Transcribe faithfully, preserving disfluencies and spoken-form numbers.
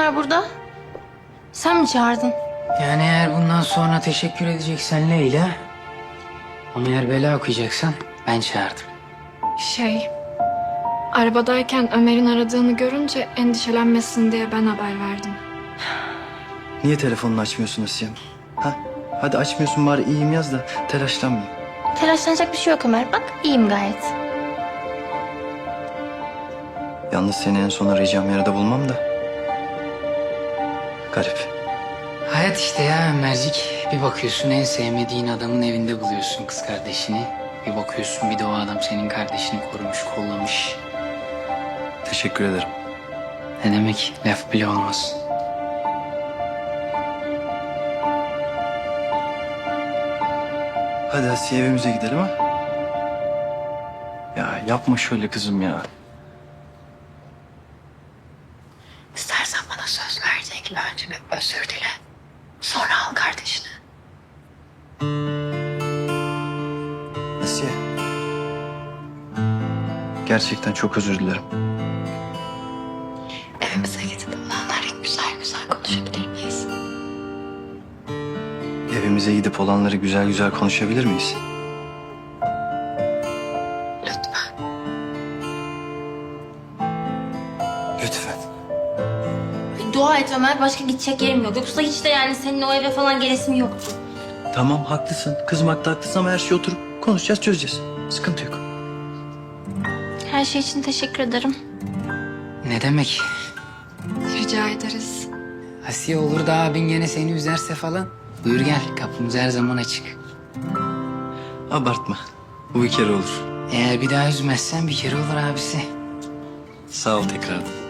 var burada? Sen mi çağırdın? Yani eğer bundan sonra teşekkür edeceksen Leyla... ama eğer bela okuyacaksan ben çağırdım. Şey, arabadayken Ömer'in aradığını görünce endişelenmesin diye ben haber verdim. Niye telefonunu açmıyorsun Asiye Hanım? Ha? Hadi açmıyorsun bari iyiyim yaz da telaşlanmayayım. Telaşlanacak bir şey yok Ömer. Bak iyiyim gayet. Yalnız seni en son arayacağım yerde bulmam da. Garip. Hayat işte ya Ömercik. Bir bakıyorsun en sevmediğin adamın evinde buluyorsun kız kardeşini. Bir bakıyorsun bir de o adam senin kardeşini korumuş, kollamış. Teşekkür ederim. Ne demek? Laf bile olmaz. Hadi Asiye evimize gidelim ha. Ya yapma şöyle kızım ya. İstersen bana söz verdiğin gibi önce bir özür dile. Sonra al kardeşini. Asiye. Gerçekten çok özür dilerim. Evimize gidip olanları güzel güzel konuşabilir miyiz? Evimize gidip olanları güzel güzel konuşabilir miyiz? Lütfen. Lütfen. Dua et Ömer. Başka gidecek yerim yok. Yoksa hiç de yani senin o eve falan gelesim yoktu. Tamam haklısın. Kızmakta haklısın ama her şeyi oturup konuşacağız, çözeceğiz. Sıkıntı yok. Her şey için teşekkür ederim. Ne demek? Rica ederiz. Asiye olur da abin gene seni üzerse falan. Buyur gel, kapımız her zaman açık. Abartma. Bu bir kere olur. Eğer bir daha üzmezsen bir kere olur abisi. Sağ ol tekrardan.